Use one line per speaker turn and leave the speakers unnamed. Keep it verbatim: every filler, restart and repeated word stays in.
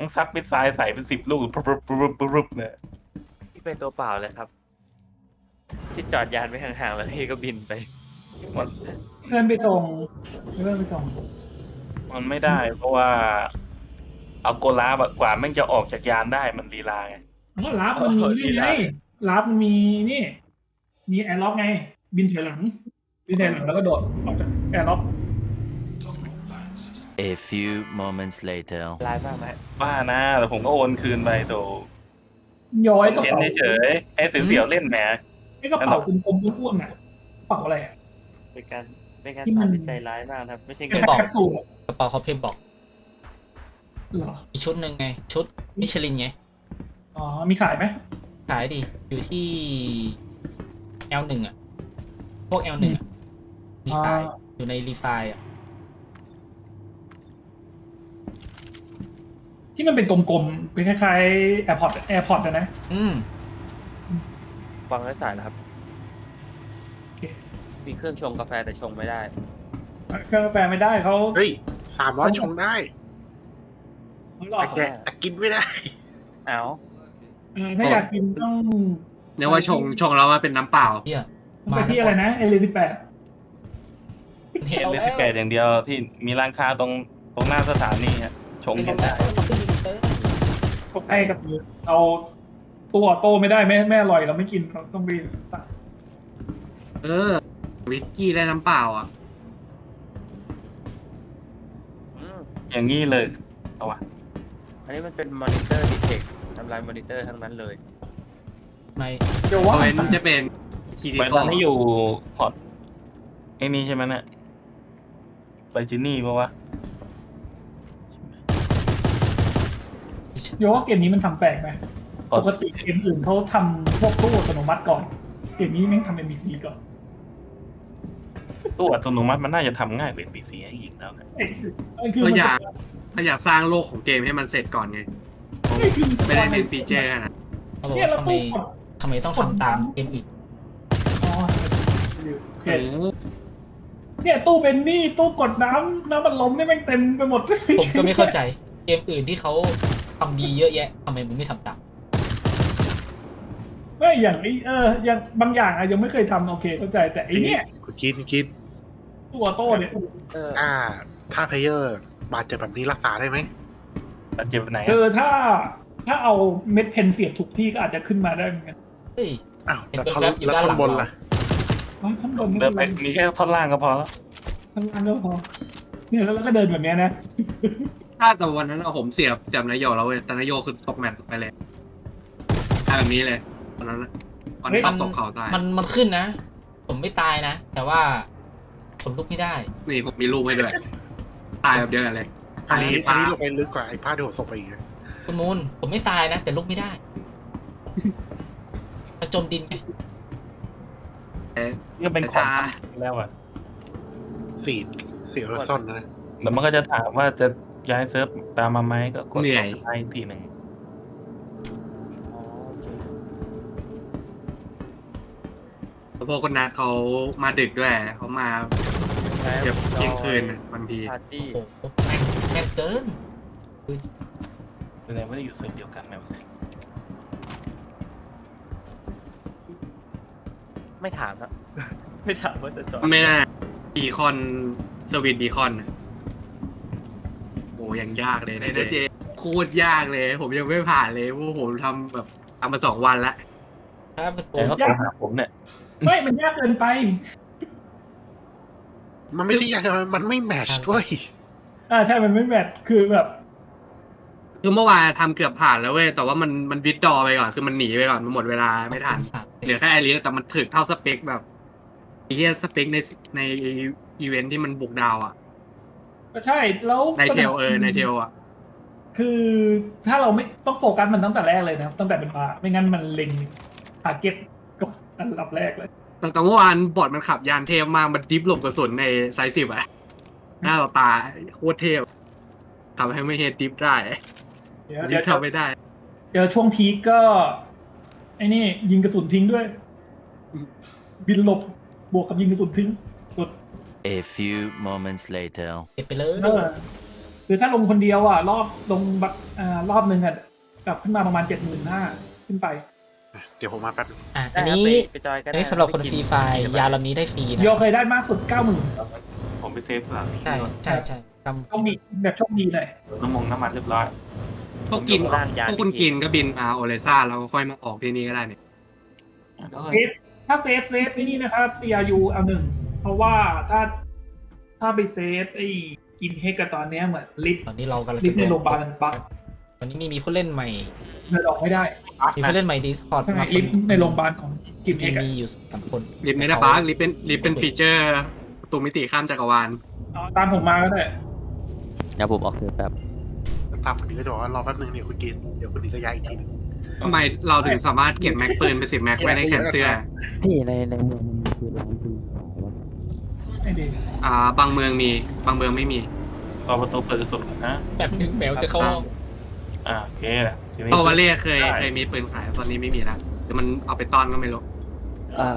ต้องซักเป็นทรายใส่เป็นสิบลูกปุ๊บปุ๊บปุ๊บปุ๊บเนี่ย
ที่เป็นตัวเปล่าเลยครับที่จอดยานไว้ห่างๆแล้วที่ก็บินไป
มัน
เพื่อนไปส่งเพื่อนไปส่ง
มันไม่ได้ เพราะว่าเอาโกลาบอะกว่าแม่งจะออกจากยานได้มันลีลาไง
อ๋อรับมันมีนี่ไงรับมันมีนี่ มีแอร์ล็อกไง บินถอยหลัง บินถอยหลังแล้วก็โดดออกจากแอร์ล็อก
A few moments later.
ลายมากไหม
บ้านะแต่ผมก็โอนคืนไปโถ
ย้อยกระ
เห็น
เป๋า
เฉยๆไอ้เสียวๆเล่นแหม
ไอ้กระเป๋ากลมๆอ้วนๆน่ะกระเป๋าอะไรอ่ะ
เป็นการเป็นการ
ที่มัน
ตัดสินใจร้ายมากครับ ไม่ใช่
เป็
เงิ
น
น
แคปซูล
กระเป๋าเขาเพมบอก
เหรอ
อีกชุดหนึ่งไง ชุดมิชลินไง
อ๋อ มีขายไหม
ขายดิ อยู่ที่ แอล หนึ่งอ่ะ พวก แอล หนึ่งอ่ะรีไฟล์อยู่ในรีไฟล์อ่ะ
ที่มันเป็นกลมๆ เป็นคล้ายๆแอร์พอร์ตแอร์พอร์ตนะ
อืม
วางไร้สายแล้วครับ
โอเค
มีเครื่องชงกาแฟแต่ชงไม่ได้
เครื่องแปลไม่ได้เขา
เฮ้ยสามร้อยชงได้
เขาหลอก
แต่แกะแต่กินไม่ได้
เอา
เออถ้าอยากกินต้อง
เรียกว่าชงชงแล้วมาเป็นน้ำเปล่า
เที่ย
ต้องไปที่อะไรนะเอลิสิบแปด
เห็น
เอ็น
แล้
เลสแกอย่างเดียวที่มีร้านค้าตรงตรงหน้าสถานีฮะชงกันได้
พวกไอ้กับเอาตัวโตไม่ได้ไม่ไม่อร่อยเราไม่กินเราต้องไปสั่ง
เออ วิสกี้ได้น้ำเปล่าอ่ะ
อืม
อย่างนี้เลยเอาวะ
อันนี้มันเป็นมอนิเตอร์ดีเทคทำลายมอนิเตอร์ทั้งนั้นเลย
ใน
เดี๋ยว
เพ
ว่า
ราะมันจะเป็นคีดี
ไป
ค
ต
อ
อนนี้อยู่พอร์ตไอ้นี่ใช่ไหมเนี่ยไปจินี่ปะวะ
เดี๋ยวว่าเกมนี้มันทำแปลกไหม
พอ
ป
ร์ต
กติเกมอื่นเขาทำพวกตู้อัตโนมัติก่อน เกมนี้แม่งทำเป็นบีซีก่อน
ตู้อัตโนมัติมันน่าจะทำง่ายกว่า พี ซี อีกแล้วนะ
เอ้ยเอ้ยคือ
ก็
มัน
อยากก็อยากสร้างโลกของเกมให้มันเสร็จก่อนไง
เอ้ยคือ
ไม่ได้เน้นฟีเจอร์นะ
เขาบอก
เนี่ย
ว่า
เรา
ทำไม
ตู้กด
ทำไมต้องทำตามเกมอื่น
อ๋อโอเค
โอ้โห
เนี่ยตู้เป็นนี่ตู้กดน้ำน้ำมันล้มนี่แม่งเต็มไปหมด
ผมก็ไม่เข้าใจ เกมอื่นที่เขาทำดีเยอะแยะทำไมมึงไม่ทำตาม
ไม่อย่างนี้เอออย่างบางอย่างอะยังไม่เคยทำโอเคเข้าใจแต่ไอ้เนี่ย
คุณกินกิน
ตัวโต้เนี่ย
เออ
อ่า ถ้าเพลเยอร์บาดเจ็บแบบนี้รักษาได้ไหม
แล้วเจ็บไหน
คื
อะ
อถ้าถ้าเอาเม็ดเพนเสียบถูกที่ก็อาจจะขึ้นมาได้เหมือนกัน
เฮ้ย
อ้าว
เห็น
แล้วท่อน
แว๊บๆอยู่
แล้ว
ด้าน
ท่อ
หลั
น
ง
บน
เรา
ล่ะ
อ๋อข้างบนไม่
เดิ
เป็น น
ไป
ไร
มีแค่ท่อนล่างก็พอแล้ว
ข้างล่างก็พอเนี่ยแล้วเราก็เดินแบบเนี้ยนะ
ถ้าแต่วันนั้นเอาผมเสียบจับนายโยแล้วเว้ยแต่นายโยคือตกแมตช์ไปเลยทำแบบนี้เลยวันนั้นน่ะวันนี้ตกเขาตาย
มันมันขึ้นนะ ผมไม่ตายนะ แต่ว่าผมลุกไม่ได้
นี่ผมมีรูปให้ด้วย ตายแบบเดียวกันเลย
อันนี้
อั
อัน
นนี้
นี้ลงไปลึกกว่าไอ้ผ้าที่ผมส่งไปอีกนะ
คุณมูลผมไม่ตายนะ แต่ลุกไม่ได้มาจมดินไง
เอ๊ะ
นี่ก็เป็นของแล้วอะ
สี่สี่เออร์ซอนนะ
แล้วมันก็จะถามว่าจะย้ายเซิร์ฟตามมาไหมก็กด
เหนื่อย
ไลค์ทีหนึ่ง
อ๋อโอเค
แล้วพวกคนนัดเขามาดึกด้วยเขามา
ใช้
เกือบเที่ยงคืนน่ะบางที
ปาร์ตี้
โอ้โหแม่งแม่งเกิน
แสดงว่าได้อยู่เซิร์ฟเดียวกันไหมวะ
ไม่ถามครับ ไม่ถามว่าจะจอด
ไม่น่าบีคอนสวิตบีคอนน่ะโอ้ยังยากเลยนะเจโคตรยากเลย ผมยังไม่ผ่านเลยเพราะผมทำแบบทำมาสองวันละ
ถ้าเป็นผ
แต่
ม
เขาโทรหาผมเนี่ย
ไม่มันยากเกินไป
มันไม่ใช่ยากนะมันไม่แมทช์ด้วย
อ่าใช่มันไม่แมทคือแบบ
คือเมื่อวานทำเกือบผ่านแล้วเว้ยแต่ว่ามันมันวิดดอไปก่อนคือมันหนีไปก่อนมันหมดเวลาไม่ทันเหลือแค่ไอริสแต่มันถึกเท่าสเปคแบบไอ้เหี้ยสเปคในในอีเวนท์ที่มันบุกดาวอ่ะ
ก็ใช่แล้ว
ในเทลเออในเทลอ่ะ
คือถ้าเราไม่ต้องโฟกัสมันตั้งแต่แรกเลยนะตั้งแต่เป็นมาไม่งั้นมันเล็งทาร์เก็ตก็อันดับแรกเลย
แต่แต่เมื่อวานบอดมันขับยานเทพมากมันดิฟหลบกระสุนในไซส์สิบอะหน้าเราตาโคตรเทพทำให้ไม่เฮดดิฟได้
เดี๋ยว
ดิ
เดี๋ย
ฟ
ว
ทำไม่ได้
เดี๋ยวช่วงพีคก็ไอ้นี่ยิงกระสุนทิ้งด้วย บินหลบบวกกับยิงกระสุนทิ้งสุด
A few moments later.
เก็บไปเลย
เออเคือถ้าลงคนเดียวอ่ะ รอบลงบักอ่ารอบหนึ่งอ่ะกลับขึ้นมาประมาณเจ็ดหมื่นห้าขึ้นไป
เดี๋ยวผมมาแป๊บนึง
อ่ะ
ได้
อัน
ครับ
นี้
ไปไปจอยก็
อัน
ได้
นี้สำหรับคน
ไป
ฟรี
กิ
ไฟล์ยาลำนี้ได้ฟรีนะ
โยเคยได้มากสุดเก้าหมื่น
ผมไปเซฟสถานที่
ใช่
ก่อน
ใช่ใช่จ
โชคดีแบบโชคดีเลย
น้ำมงน้ำมันเรียบร้อย
พวกกิน
ร่างยาน
พวกคุณกินก็บินมาโอเลซ่าแล้วก็ค่อยมาออกที่นี่ก็ได้เนี่ย
เซฟถ้าเซฟเซฟที่นี่นะครับ ซี อาร์ ยู เอาหนึ่งเพราะว่าถ้าถ้าไปเซฟไอ้กินเฮกกับตอนเนี้ยเหมือนลิฟต์
ำตอนนี้เรากำลัง
ลิ
จะ
ฟต์ในโรงพยาบาลมันบั๊ก
ตอนนี้มีมีผู้เล่นใหม่
เดินออกไม่ได้
มีผู้เล่นใหม่ดีสปอร์ต
ใช่ไหม
มา
ลิฟต์ในโรงพยาบาลของกินเฮ
มี
กอะ
มีอยู่สามคน
ลิฟต์ไม่ได้บั๊กลิฟต์เป็นลิฟต์เป็นฟีเจอร์ประตูมิติข้ามจักรวาล
เอาตามผมมาก็ได้
เดี๋ยวผมออกเสือแป๊บ
แล้วตามคนนี้ก็จะบอกว่ารอแป๊บนึงเนี่ยคุณกินเดี๋ยวคนนี้ก็ย้ายอีกทีนึง
ทำไมเราถึงสามารถเก็บแม็กปืนไปสิบแม็กไว้ในแขนเสื้อ
พี่ในในเมืองมันมีคือร้านปืนขายปะ
ไม่ดี
อ่า บางเมืองมี บางเมืองไม่มี
รอประตูเปิดสุดนะ
แบบนึงแมวจะเข้าห้อง
อ่าโอเคทีนี้
โตวาเล่เคยเคยมีปืนขายตอนนี้ไม่มีแล้วหรือมันเอาไปต้อนก็ไม่รู้